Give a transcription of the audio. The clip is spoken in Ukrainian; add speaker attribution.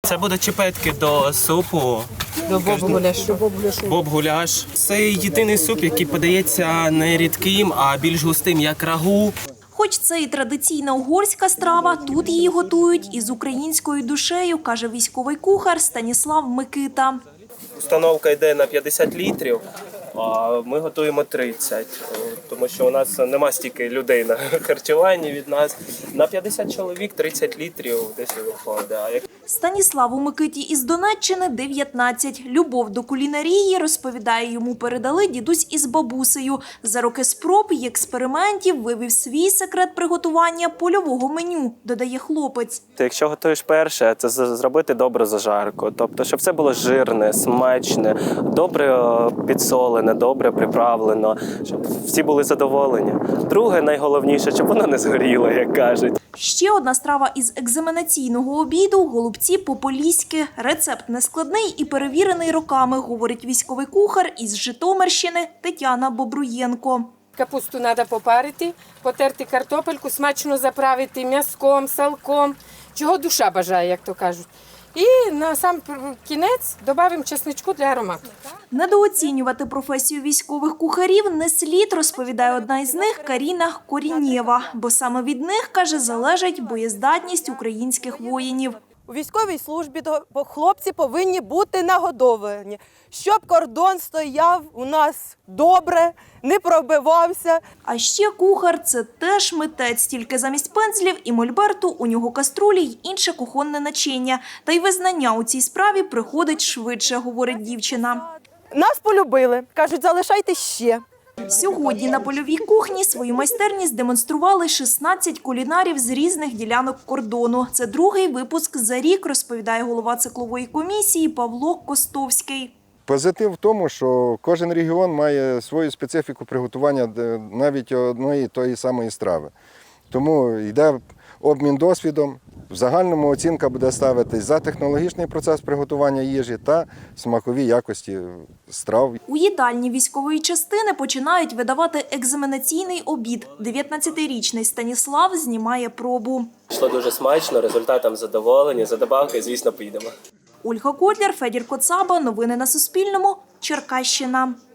Speaker 1: Це будуть чіпетки до супу.
Speaker 2: До боб-гуляшу.
Speaker 1: Боб-гуляш. Це єдиний суп, який подається не рідким, а більш густим, як рагу.
Speaker 3: Хоч це і традиційна угорська страва, тут її готують із українською душею, каже військовий кухар Станіслав Микита.
Speaker 1: Установка йде на 50 літрів, а ми готуємо 30, тому що у нас нема стільки людей на харчуванні від нас. На 50 чоловік 30 літрів десь і виходить.
Speaker 3: Станіславу Микиті із Донеччини 19. Любов до кулінарії, розповідає, йому передали дідусь із бабусею. За роки спроб і експериментів вивів свій секрет приготування польового меню, додає хлопець.
Speaker 1: Якщо готуєш перше, це зробити добру зажарку. Тобто, щоб це було жирне, смачне, добре підсолене, добре приправлено, щоб всі були задоволені. Друге, найголовніше, щоб воно не згоріло, як кажуть.
Speaker 3: Ще одна страва із екзаменаційного обіду – голубці по-поліськи. Рецепт нескладний і перевірений роками, говорить військовий кухар із Житомирщини Тетяна Бобруєнко.
Speaker 2: Капусту треба попарити, потерти картопельку, смачно заправити м'язком, салком, чого душа бажає, як то кажуть. І на сам кінець додаємо чесничку для аромату.
Speaker 3: Недооцінювати професію військових кухарів не слід, розповідає одна із них Каріна Корінєва. Бо саме від них, каже, залежить боєздатність українських воїнів.
Speaker 4: У військовій службі хлопці повинні бути нагодовані, щоб кордон стояв у нас добре, не пробивався.
Speaker 3: А ще кухар – це теж митець, тільки замість пензлів і мольберту у нього каструлі й інше кухонне начиння. Та й визнання у цій справі приходить швидше, говорить дівчина.
Speaker 4: Нас полюбили, кажуть, залишайте ще.
Speaker 3: Сьогодні на польовій кухні свою майстерність демонстрували 16 кулінарів з різних ділянок кордону. Це другий випуск за рік, розповідає голова циклової комісії Павло Костовський.
Speaker 5: Позитив в тому, що кожен регіон має свою специфіку приготування навіть одної тої самої страви. Тому йде обмін досвідом. В загальному оцінка буде ставитись за технологічний процес приготування їжі та смакові якості страв.
Speaker 3: У їдальні військової частини починають видавати екзаменаційний обід. 19-річний Станіслав знімає пробу.
Speaker 1: Йшло дуже смачно, результатом задоволені, за добавки, звісно, поїдемо.
Speaker 3: Ольга Котляр, Федір Коцаба. Новини на Суспільному. Черкащина.